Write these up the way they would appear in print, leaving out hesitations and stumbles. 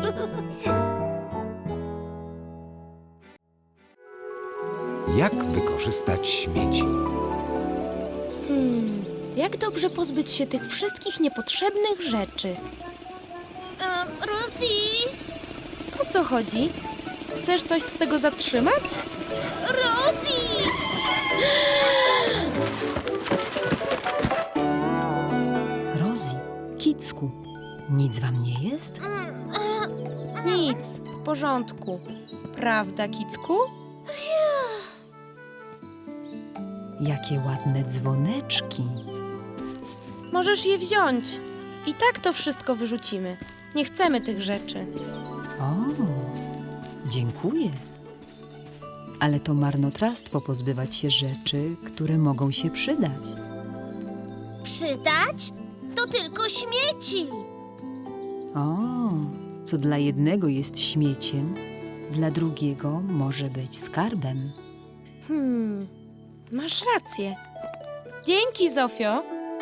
Jak wykorzystać śmieci? Jak dobrze pozbyć się tych wszystkich niepotrzebnych rzeczy? Rosie! O co chodzi? Chcesz coś z tego zatrzymać? Rosie! Rosie, Kicku, nic wam nie jest? Nic, w porządku. Prawda, Kicku? Jakie ładne dzwoneczki. Możesz je wziąć. I tak to wszystko wyrzucimy. Nie chcemy tych rzeczy. O, dziękuję. Ale to marnotrawstwo pozbywać się rzeczy, które mogą się przydać. Przydać? To tylko śmieci. O, co dla jednego jest śmieciem, dla drugiego może być skarbem. Masz rację. Dzięki, Zofio.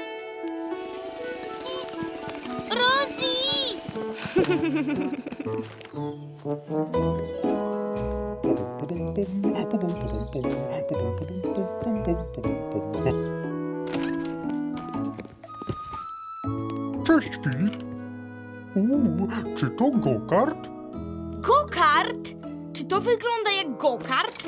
Rosie! Cześć, Filip. Czy to go-kart? Go-kart? Czy to wygląda jak go-kart?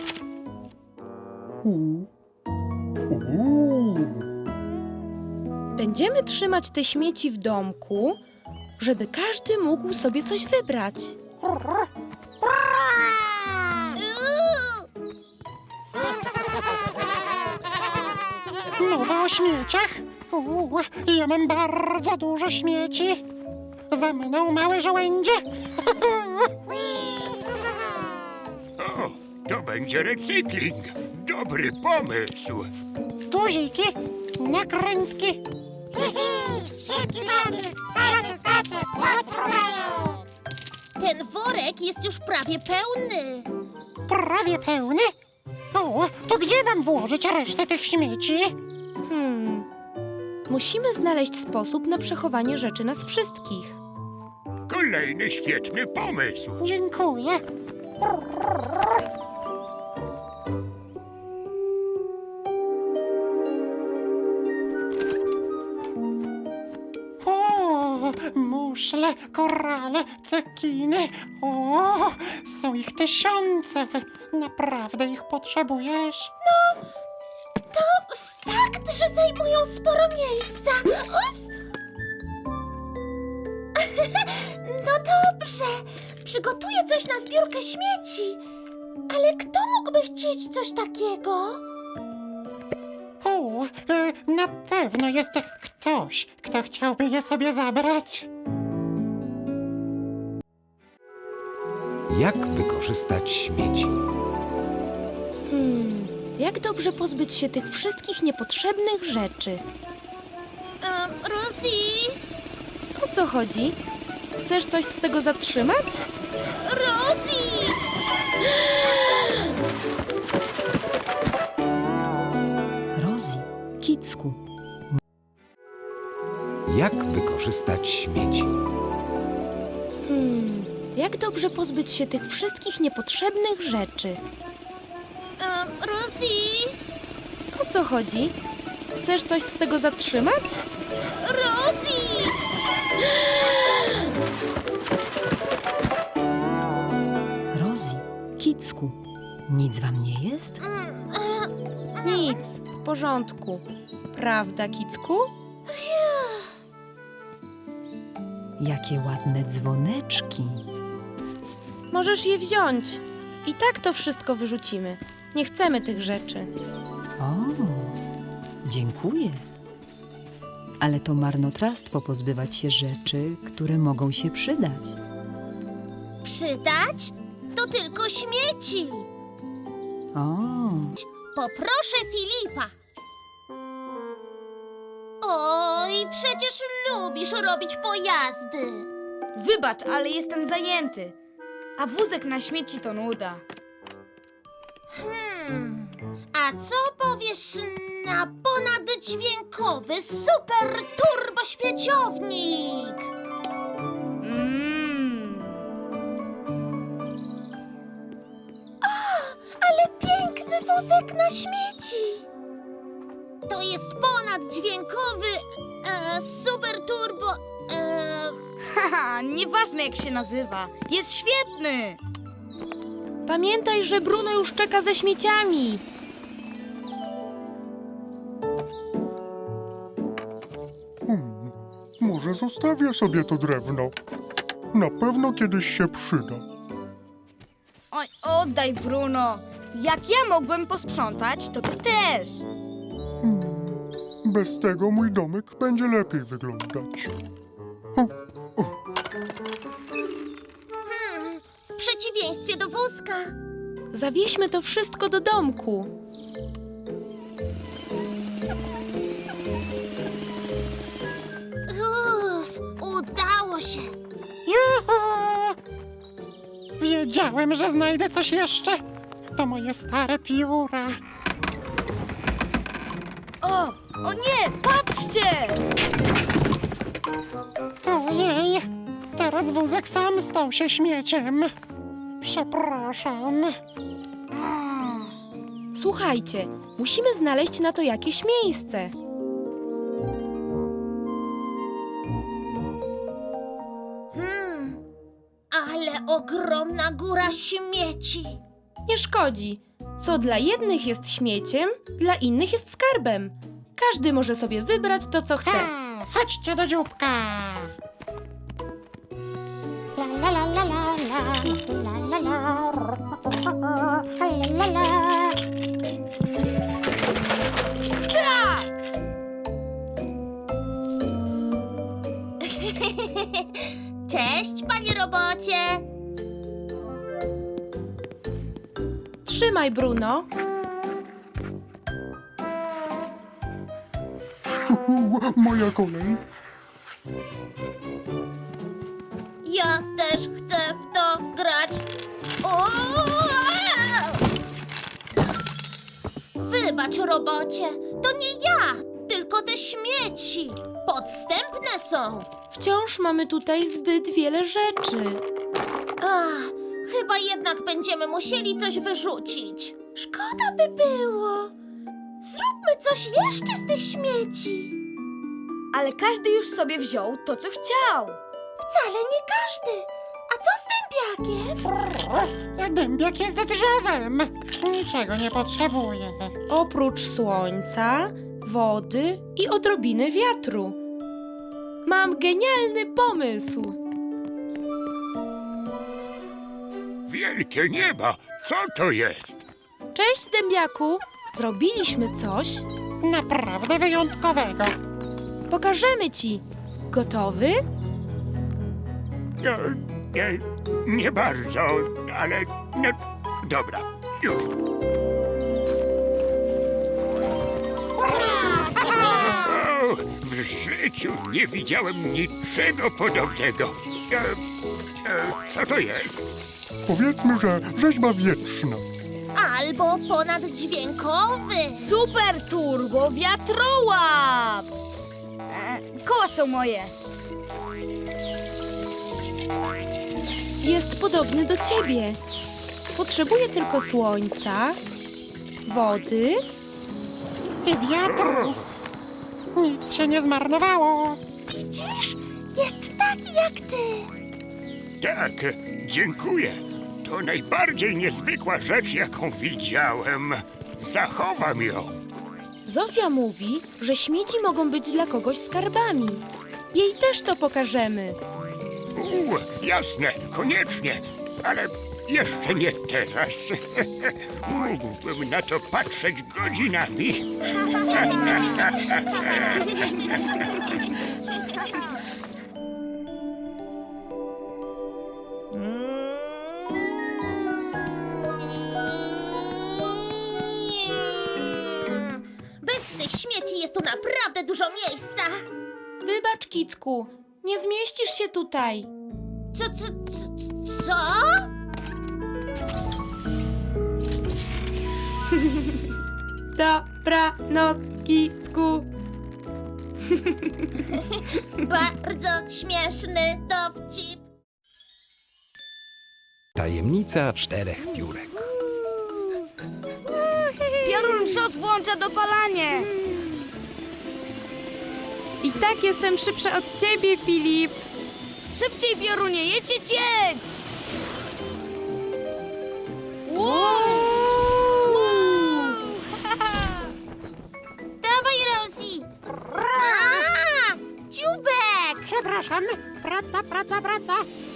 Będziemy trzymać te śmieci w domku, żeby każdy mógł sobie coś wybrać. Mowa o śmieciach? Ja mam bardzo dużo śmieci. Za mną małe żołędzie. O, to będzie recykling. Dobry pomysł. Guziki, nakrętki. Ten worek jest już prawie pełny. Prawie pełny. O, to gdzie mam włożyć resztę tych śmieci? Musimy znaleźć sposób na przechowanie rzeczy nas wszystkich. Kolejny świetny pomysł. Dziękuję. O, muszle, korale, cekiny. O, są ich tysiące. Naprawdę ich potrzebujesz? To fakt, że zajmują sporo miejsca. Ups! No dobrze, przygotuję coś na zbiórkę śmieci. Ale kto mógłby chcieć coś takiego? O, na pewno jest ktoś, kto chciałby je sobie zabrać. Jak wykorzystać śmieci? Jak dobrze pozbyć się tych wszystkich niepotrzebnych rzeczy? Rosie! O co chodzi? Chcesz coś z tego zatrzymać? Rosie! Rosie, Kicku, Jak wykorzystać śmieci? Jak dobrze pozbyć się tych wszystkich niepotrzebnych rzeczy? Rosie! O co chodzi? Chcesz coś z tego zatrzymać? Rosie! Rosie, Kicku, nic wam nie jest? Nic, w porządku. Prawda, Kicku? Jakie ładne dzwoneczki. Możesz je wziąć. I tak to wszystko wyrzucimy. Nie chcemy tych rzeczy. O, dziękuję. Ale to marnotrawstwo pozbywać się rzeczy, które mogą się przydać. Przydać? To tylko śmieci. O, Poproszę Filipa. Oj, przecież lubisz robić pojazdy. Wybacz, ale jestem zajęty. A wózek na śmieci to nuda. A co powiesz na ponaddźwiękowy super turbo śmieciownik? wózek na śmieci. To jest ponaddźwiękowy, super turbo, Haha, nieważne jak się nazywa. Jest świetny! Pamiętaj, że Bruno już czeka ze śmieciami. Może zostawię sobie to drewno. Na pewno kiedyś się przyda. Oj, oddaj, Bruno. Jak ja mogłem posprzątać, to ty też. Bez tego mój domek będzie lepiej wyglądać. O, w przeciwieństwie do wózka. Zawieźmy to wszystko do domku. Udało się. Juhu! Wiedziałem, że znajdę coś jeszcze. To moje stare pióra. O nie, patrzcie! Ojej, teraz wózek sam stał się śmieciem. Przepraszam. Słuchajcie, musimy znaleźć na to jakieś miejsce. Ale ogromna góra śmieci. Nie szkodzi. Co dla jednych jest śmieciem, dla innych jest skarbem. Każdy może sobie wybrać to, co chce. Chodźcie do dzióbka. La la la la la la la la la la la la. Cześć, panie robocie. Trzymaj, Bruno. moja kolej. Ja też chcę w to grać. O! Wybacz, robocie. To nie ja, tylko te śmieci. Podstępne są. Wciąż mamy tutaj zbyt wiele rzeczy. Ach, chyba jednak będziemy musieli coś wyrzucić. Szkoda by było. Zróbmy coś jeszcze z tych śmieci. Ale każdy już sobie wziął to, co chciał. Wcale nie każdy. A co z dębiakiem? Dębiak jest drzewem. Niczego nie potrzebuje. Oprócz słońca, wody i odrobiny wiatru. Mam genialny pomysł. Wielkie nieba, co to jest? Cześć, dębiaku. Zrobiliśmy coś. Naprawdę wyjątkowego. Pokażemy ci. Gotowy? No, nie bardzo, ale no, dobra, już. O, w życiu nie widziałem niczego podobnego. Co to jest? Powiedzmy, że rzeźba wietrzna. Albo ponaddźwiękowy. Super turbo wiatrołap! Koła są moje. Jest podobny do ciebie. Potrzebuje tylko słońca, wody. I wiatru. Nic się nie zmarnowało. Widzisz? Jest taki jak ty. Tak, dziękuję. To najbardziej niezwykła rzecz, jaką widziałem. Zachowam ją. Zofia mówi, że śmieci mogą być dla kogoś skarbami. Jej też to pokażemy. Jasne, koniecznie, ale jeszcze nie teraz. Mógłbym na to patrzeć godzinami. Bez tych śmieci jest tu naprawdę dużo miejsca. Wybacz, Kicku, nie zmieścisz się tutaj. Co? Dobranoc, Kicku. Bardzo śmieszny dowcip. Tajemnica 4 piórek. Piorun szos włącza dopalanie. I tak jestem szybsza od ciebie, Filip. Szybciej, Piorunie, jedź, jedź, jedź! Dawaj, Rosie! A, dziubek! Przepraszam, praca.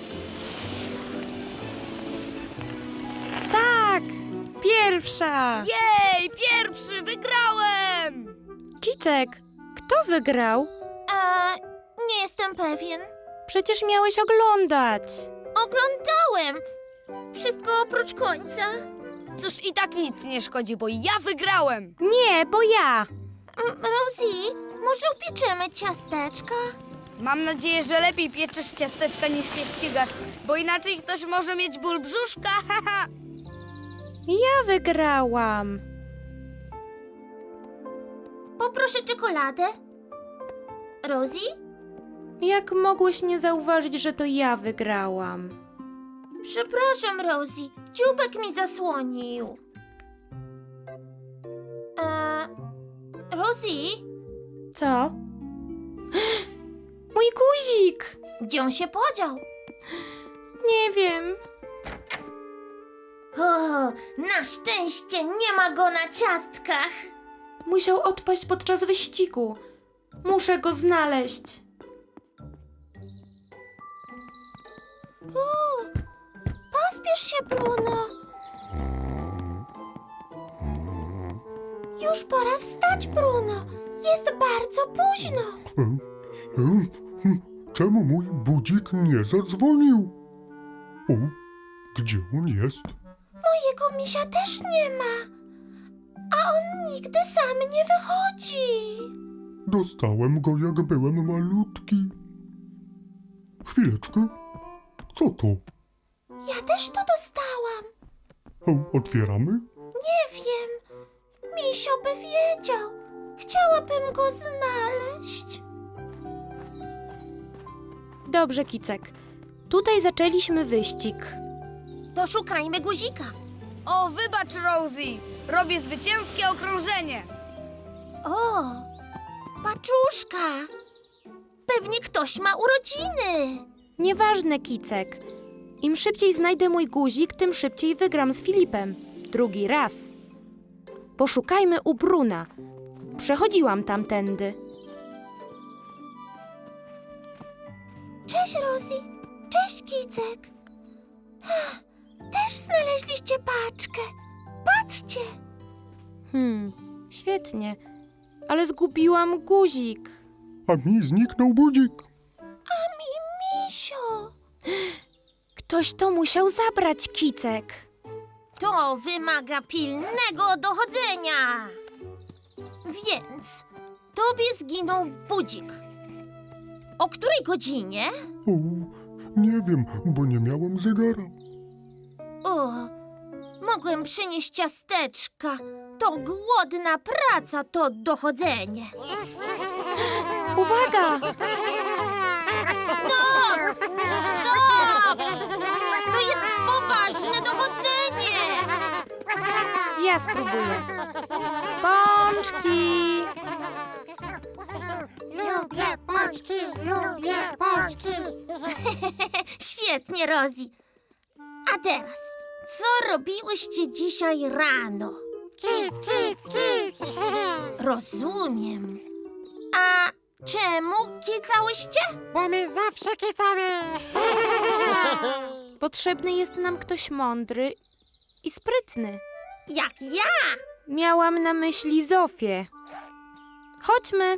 Tak, pierwsza. Jej, pierwszy, wygrałem! Kicek, kto wygrał? Nie jestem pewien. Przecież miałeś oglądać. Oglądałem. Wszystko oprócz końca. Cóż, i tak nic nie szkodzi, bo ja wygrałem! Nie, bo ja. Rosie, może upieczemy ciasteczka? Mam nadzieję, że lepiej pieczesz ciasteczka niż się ścigasz, bo inaczej ktoś może mieć ból brzuszka, haha! Ja wygrałam. Poproszę czekoladę. Rosie? Jak mogłeś nie zauważyć, że to ja wygrałam? Przepraszam, Rosie. Dziubek mi zasłonił. Rosie? Co? Mój guzik! Gdzie on się podział? Nie wiem. O, na szczęście nie ma go na ciastkach. Musiał odpaść podczas wyścigu. Muszę go znaleźć. Pospiesz się, Bruno. Już pora wstać, Bruno. Jest bardzo późno. Czemu mój budzik nie zadzwonił? O, gdzie on jest? Mojego misia też nie ma. A on nigdy sam nie wychodzi. Dostałem go, jak byłem malutki. Chwileczkę. Co to? Ja też to dostałam. O, otwieramy? Nie wiem. Misio by wiedział. Chciałabym go znaleźć. Dobrze, Kicek. Tutaj zaczęliśmy wyścig. To szukajmy guzika. O, wybacz, Rosie! Robię zwycięskie okrążenie! O, paczuszka. Pewnie ktoś ma urodziny. Nieważne, Kicek. Im szybciej znajdę mój guzik, tym szybciej wygram z Filipem. Drugi raz. Poszukajmy u Bruna. Przechodziłam tamtędy. Cześć, Rosie. Cześć, Kicek. Też znaleźliście paczkę. Patrzcie. Świetnie. Ale zgubiłam guzik. A mi zniknął budzik. Misio. Ktoś to musiał zabrać, Kicek. To wymaga pilnego dochodzenia. Więc tobie zginął budzik. O której godzinie? O, nie wiem, bo nie miałem zegara. O, mogłem przynieść ciasteczka. To głodna praca, to dochodzenie. Uwaga! Stop! Stop! To jest poważne dochodzenie. Ja spróbuję. Pączki! Lubię pączki. Świetnie, Rosie. A teraz, co robiłyście dzisiaj rano? Kic. Rozumiem. A czemu kicałyście? Bo my zawsze kicamy. Potrzebny jest nam ktoś mądry i sprytny. Jak ja. Miałam na myśli Zofię. Chodźmy.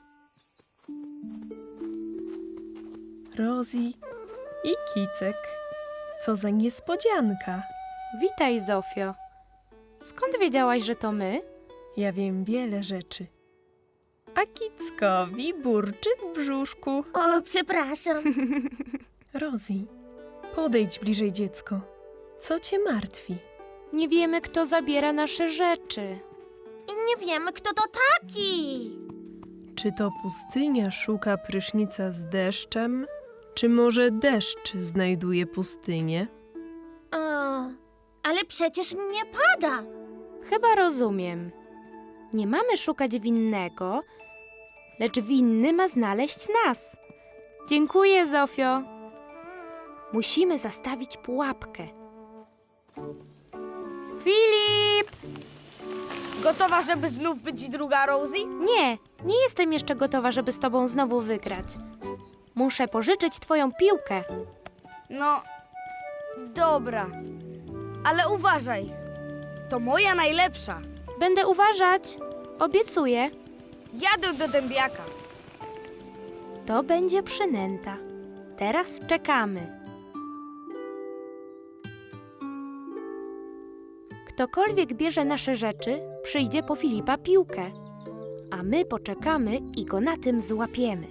Rosie i Kicek. Co za niespodzianka. Witaj, Zofio. Skąd wiedziałaś, że to my? Ja wiem wiele rzeczy. A Kickowi burczy w brzuszku. O, przepraszam. Rosie, podejdź bliżej, dziecko. Co cię martwi? Nie wiemy, kto zabiera nasze rzeczy. I nie wiemy, kto to taki. Czy to pustynia szuka prysznica z deszczem? Czy może deszcz znajduje pustynię? Ale przecież nie pada. Chyba rozumiem. Nie mamy szukać winnego, lecz winny ma znaleźć nas. Dziękuję, Zofio. Musimy zastawić pułapkę. Filip! Gotowa, żeby znów być druga Rosie? Nie jestem jeszcze gotowa, żeby z tobą znowu wygrać. Muszę pożyczyć twoją piłkę. No, dobra. Ale uważaj. To moja najlepsza. Będę uważać. Obiecuję. Jadę do dębiaka. To będzie przynęta. Teraz czekamy. Ktokolwiek bierze nasze rzeczy, przyjdzie po Filipa piłkę. A my poczekamy i go na tym złapiemy.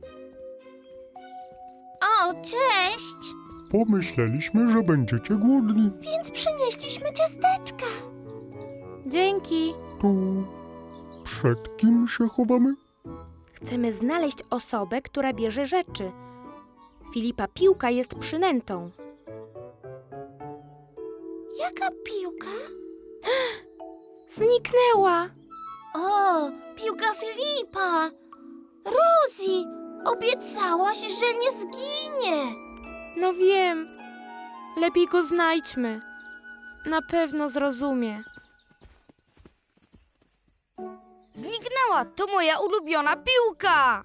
O, cześć! Pomyśleliśmy, że będziecie głodni. Więc przynieśliśmy ciasteczka. Dzięki. To przed kim się chowamy? Chcemy znaleźć osobę, która bierze rzeczy. Filipa piłka jest przynętą. Jaka piłka? Zniknęła. O, piłka Filipa! Rosie, obiecałaś, że nie zginie. No wiem. Lepiej go znajdźmy. Na pewno zrozumie. Zniknęła. To moja ulubiona piłka.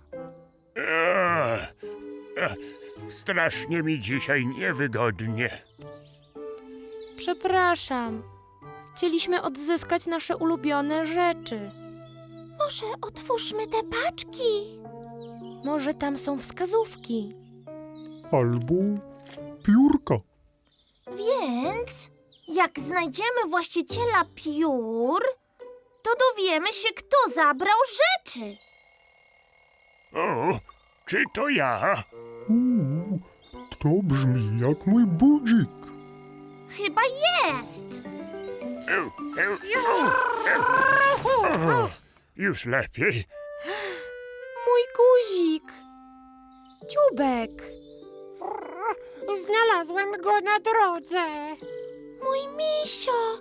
Strasznie mi dzisiaj niewygodnie. Przepraszam. Chcieliśmy odzyskać nasze ulubione rzeczy. Może otwórzmy te paczki? Może tam są wskazówki. Albo piórka. Więc jak znajdziemy właściciela piór, to dowiemy się, kto zabrał rzeczy. O, czy to ja? To brzmi jak mój budzik. Chyba jest. Już lepiej. Mój guzik. Dziubek. Znalazłem go na drodze. Mój misio.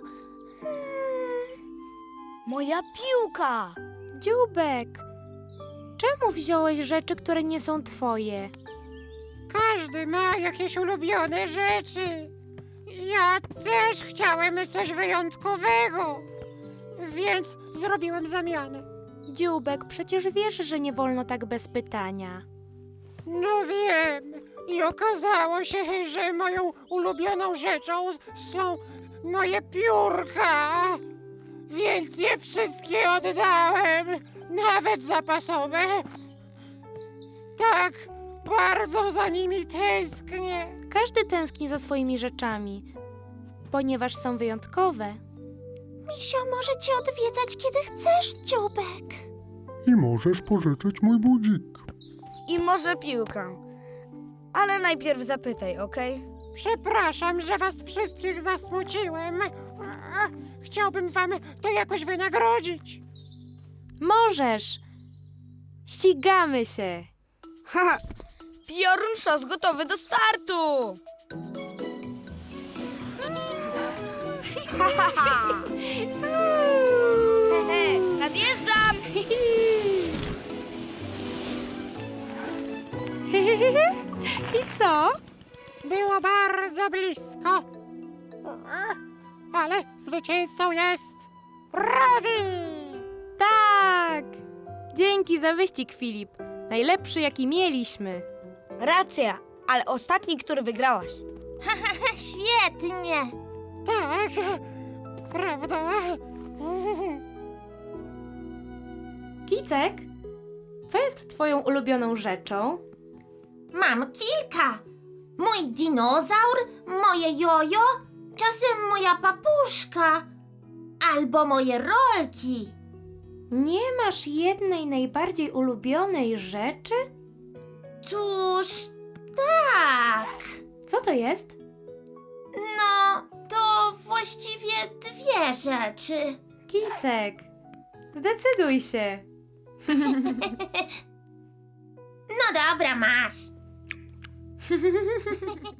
Moja piłka. Dziubek. Czemu wziąłeś rzeczy, które nie są twoje? Każdy ma jakieś ulubione rzeczy. Ja też chciałem coś wyjątkowego, więc zrobiłem zamianę. Dziubek, przecież wiesz, że nie wolno tak bez pytania. No wiem. I okazało się, że moją ulubioną rzeczą są moje piórka. Więc je wszystkie oddałem, nawet zapasowe. Tak bardzo za nimi tęsknię. Każdy tęskni za swoimi rzeczami, ponieważ są wyjątkowe. Misio może cię odwiedzać, kiedy chcesz, Dziubek. I możesz pożyczyć mój budzik. I może piłkę. Ale najpierw zapytaj, okej? Przepraszam, że was wszystkich zasmuciłem. Chciałbym wam to jakoś wynagrodzić. Możesz. Ścigamy się. Haha, piorun szos gotowy do startu! Hehe, nadjeżdżam! I co? Było bardzo blisko. Ale zwycięzcą jest Rosie! Tak! Dzięki za wyścig, Filip. Najlepszy, jaki mieliśmy. Racja, ale ostatni, który wygrałaś. Świetnie. Tak, prawda? Kicek, co jest twoją ulubioną rzeczą? Mam kilka. Mój dinozaur, moje jojo, czasem moja papuszka albo moje rolki. Nie masz jednej najbardziej ulubionej rzeczy? Cóż, tak. Co to jest? No, to właściwie dwie rzeczy. Kicek, zdecyduj się. No dobra, masz.